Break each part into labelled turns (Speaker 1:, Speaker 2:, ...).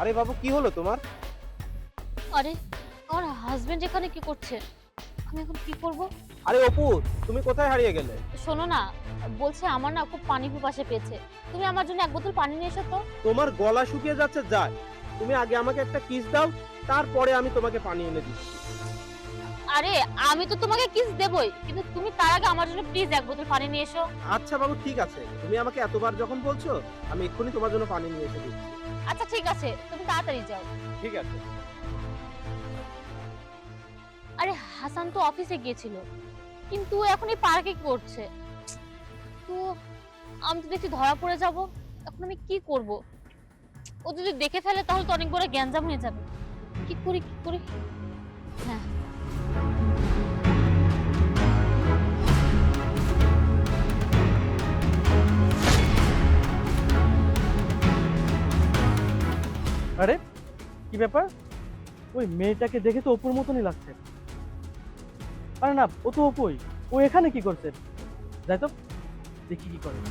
Speaker 1: আরে বাবু, কি হলো তোমার?
Speaker 2: আরে আমার হাজবেন্ড এখানে কি করছে? আমি এখন কি করব?
Speaker 1: আরে অপু, তুমি কোথায় হারিয়ে গেলে?
Speaker 2: শোনো না, বলছে আমার না খুব পানি পিপাসা পেয়েছে। তুমি আমার জন্য এক বোতল পানি নিয়ে এসো তো।
Speaker 1: তোমার গলা শুকিয়ে যাচ্ছে, যায়। তুমি আগে আমাকে একটা কিস দাও, তারপরে আমি তোমাকে পানি এনে দিচ্ছি।
Speaker 2: আরে আমি তো তোমাকে কিস দেবই, কিন্তু তুমি তার আগে আমার জন্য প্লিজ এক বোতল পানি নিয়ে এসো।
Speaker 1: আচ্ছা বাবু, ঠিক আছে, তুমি আমাকে এতবার যখন বলছো, আমি এক্ষুনি তোমার জন্য পানি নিয়ে এসে দিচ্ছি।
Speaker 2: আচ্ছা ঠিক আছে, তুমি তাড়াতাড়ি যাও।
Speaker 1: ঠিক আছে।
Speaker 2: আরে হাসান তো অফিসে গিয়েছিল, কিন্তু ও এখন এই পার্কে কি করছে? তো আমি তো দেখছি ধরা পড়ে যাব। এখন আমি কি করব? ও যদি দেখে ফেলে তাহলে তো অনেক বড় গ্যাঞ্জাম হয়ে যাবে। কি করি কি করি? হ্যাঁ,
Speaker 3: আরে কি ব্যাপার? ওই মেয়েটাকে দেখে তো অপুর মতনই লাগছে। আরে না, ও তো অপুই। ও এখানে কি করছে? যাই তো, দেখি কি করে।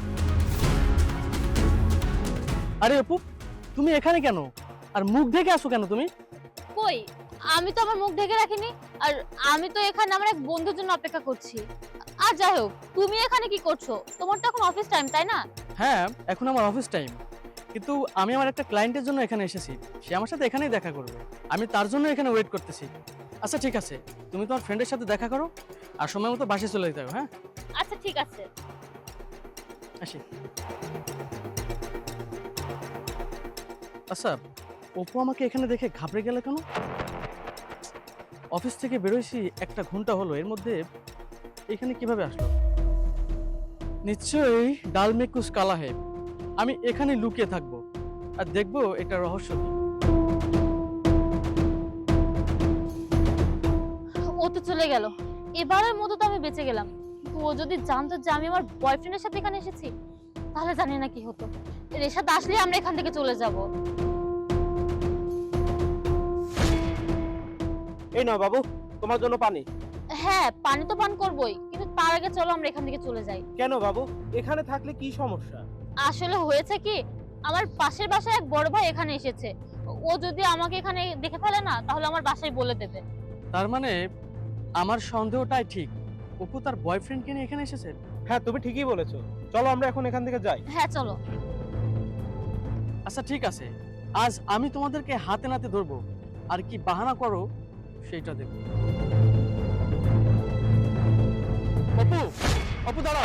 Speaker 3: আরে অপু, তুমি এখানে কেন? আর মুখ ঢেকে আসো কেন তুমি?
Speaker 2: কই? আমি তো আমার মুখ ঢেকে রাখিনি। আর আমি তো এখানে আমার এক বন্ধুর জন্য অপেক্ষা করছি। আর যাই হোক, তুমি এখানে কি করছো? তোমার তো এখন অফিস টাইম, তাই না?
Speaker 3: হ্যাঁ, এখন আমার অফিস টাইম, কিন্তু আমি আমার একটা ক্লায়েন্টের জন্য এখানে এসেছি। সে আমার সাথে এখানেই দেখা করবে। আমি তার জন্য এখানে ওয়েট করতেছি। আচ্ছা ঠিক আছে, তুমি তোমার ফ্রেন্ডের সাথে দেখা করো আর সময় মতো বাসে চলে যেতে হবে। হ্যাঁ,
Speaker 2: আচ্ছা ঠিক আছে।
Speaker 3: আসি। আচ্ছা, অপু আমাকে এখানে দেখে ঘাবড়ে গেলে কেন? অফিস থেকে বেরোইছি 1 ঘন্টা হলো, এর মধ্যে এখানে কিভাবে আসলো? নিশ্চয়ই ডাল মে কুছ কালা হে। আমি এখানে লুকিয়ে থাকবো আর দেখবো এটা রহস্য কি।
Speaker 2: ও তো চলে গেল। এবারের মতো তো আমি বেঁচে গেলাম। কিন্তু ও যদি জানতো যে আমি আমার বয়ফ্রেন্ডের সাথে এখানে এসেছি, তাহলে জানি না কি হতো। রেশাদ আসলে আমরা এখান থেকে চলে যাব।
Speaker 1: এই নাও বাবু, তোমার জন্য পানি।
Speaker 2: হ্যাঁ, পানি তো পান করবোই, কিন্তু তার আগে চলো আমরা এখান থেকে চলে যাই।
Speaker 1: কেন বাবু, এখানে থাকলে কি সমস্যা?
Speaker 2: আসলে হয়েছে কি, আমার পাশের বাসায় এক বড় ভাই এখানে এসেছে। ও যদি আমাকে এখানে দেখে ফেলে না, তাহলে আমার বাসায় বলে দেবে।
Speaker 3: তার মানে আমার সন্দেহটাই ঠিক, অপু তার বয়ফ্রেন্ডকে নিয়ে এখানে এসেছে।
Speaker 1: হ্যাঁ, তুমি ঠিকই বলেছো। চলো আমরা এখন এখান থেকে যাই।
Speaker 2: হ্যাঁ চলো।
Speaker 3: আচ্ছা ঠিক আছে, আজ আমি তোমাদেরকে হাতে নাতে ধরবো, আর কি বাহানা করো সেইটা দেখো। অপু, অপু দাঁড়াও।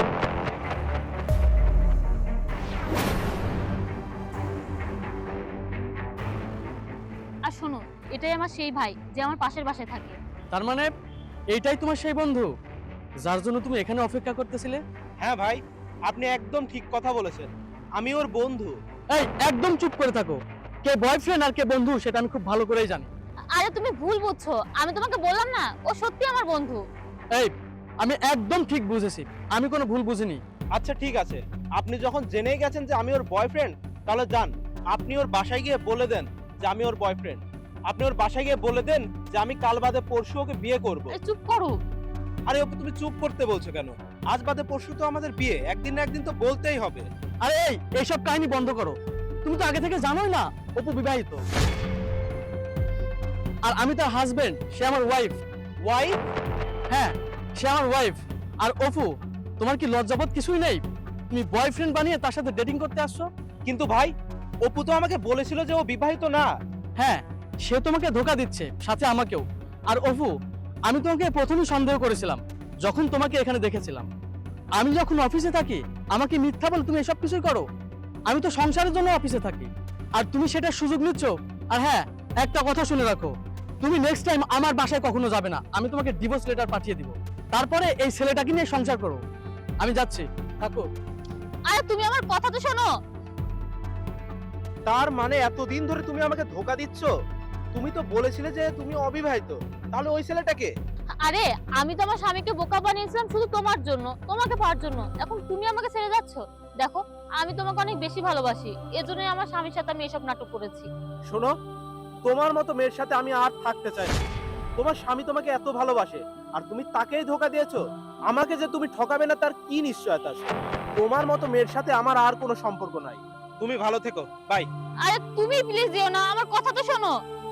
Speaker 2: আর শোনো, এটাই আমার সেই ভাই যে আমার পাশের বাসায় থাকে।
Speaker 3: তার মানে এইটাই তোমার সেই বন্ধু যার জন্য তুমি এখানে অপেক্ষা করতেছিলে?
Speaker 1: হ্যাঁ ভাই, আপনি একদম ঠিক কথা বলেছেন। আমি ওর বন্ধু।
Speaker 3: এই একদম চুপ করে থাকো। কে বয়ফ্রেন্ড আর কে বন্ধু সেটা আমি খুব ভালো করেই জানি।
Speaker 2: আরে তুমি ভুল বুঝছো, আমি তোমাকে বললাম না ও সত্যি আমার বন্ধু।
Speaker 3: এই, আমি একদম ঠিক বুঝেছি, আমি কোনো ভুল বুঝিনি।
Speaker 1: আচ্ছা ঠিক আছে, আপনি যখন জেনেই গেছেন যে আমি ওর বয়ফ্রেন্ড, তাহলে যান, আপনি ওর বাসায় গিয়ে বলে দেন যে আমি ওর বয়ফ্রেন্ড। আপনি ওর বাসায় গিয়ে বলে দেন যে আমি কাল বাদে পরশু ওকে বিয়ে করব।
Speaker 2: আরে চুপ করো।
Speaker 1: আরে অপু, তুমি চুপ করতে বলছো কেন? আজ বাদে পরশু তো আমাদের বিয়ে, একদিন না একদিন তো বলতেই হবে।
Speaker 3: আরে এইসব কাহিনী বন্ধ করো। তুমি তো আগে থেকে জানোই না অপু বিবাহিত, আর আমি তার হাজবেন্ড, সে আমার ওয়াইফ।
Speaker 1: ওয়াইফ?
Speaker 3: হ্যাঁ, সে আমার ওয়াইফ। আর অপু, তোমার কি লজ্জাবোধ কিছুই নেই? তুমি বয়ফ্রেন্ড বানিয়ে তার সাথে ডেটিং করতে আসছো?
Speaker 1: কিন্তু ভাই, অপু তো আমাকে বলেছিল যে ও বিবাহিত না।
Speaker 3: হ্যাঁ, সে তোমাকে ধোকা দিচ্ছে, সাথে আমাকেও। আর অপু, আমি তোমাকে প্রথমেই সন্দেহ করেছিলাম যখন তোমাকে এখানে দেখেছিলাম। আমি যখন অফিসে থাকি আমাকে মিথ্যা বলে তুমি এসব কিছুই করো। আমি তো সংসারের জন্য অফিসে থাকি, আর তুমি সেটার সুযোগ নিচ্ছ। আর হ্যাঁ, একটা কথা শুনে রাখো, তুমি নেক্সট টাইম আমার বাসায় কখনো যাবে না। আমি তোমাকে ডিভোর্স লেটার পাঠিয়ে দিব, তারপরে এই ছেলেটাকে নিয়ে সংসার করো। আমি যাচ্ছি, থাকো।
Speaker 2: আরে তুমি আমার কথা তো শোনো।
Speaker 1: তার মানে এতদিন ধরে তুমি আমাকে ধোকা দিচ্ছ? তুমি তো বলেছিলে যে তুমি অবিবাহিত, তাহলে ওই ছেলেটাকে?
Speaker 2: আরে আমি তো আমার স্বামীকে বোকা বানিয়েছিলাম শুধু তোমার জন্য, তোমাকে পাওয়ার জন্য। এখন তুমি আমাকে ছেড়ে যাচ্ছ। দেখো, আমি তোমাকে অনেক বেশি ভালোবাসি, এজন্যই আমার স্বামীর সাথে আমি এসব নাটক করেছি।
Speaker 1: শোনো, তোমার মতো মেয়ের সাথে আমি আর থাকতে চাই না। তোমার স্বামী তোমাকে এত ভালোবাসে, আর তুমি তাকেই ধোকা দিয়েছো। আমাকে যে তুমি ঠকাবে না তার কি নিশ্চয়তা আছে? তোমার মতো মেয়ের সাথে আমার আর কোনো সম্পর্ক নাই। তুমি ভালো থেকো, বাই।
Speaker 2: আরে তুমি প্লিজ যেও না, আমার কথা তো শোনো।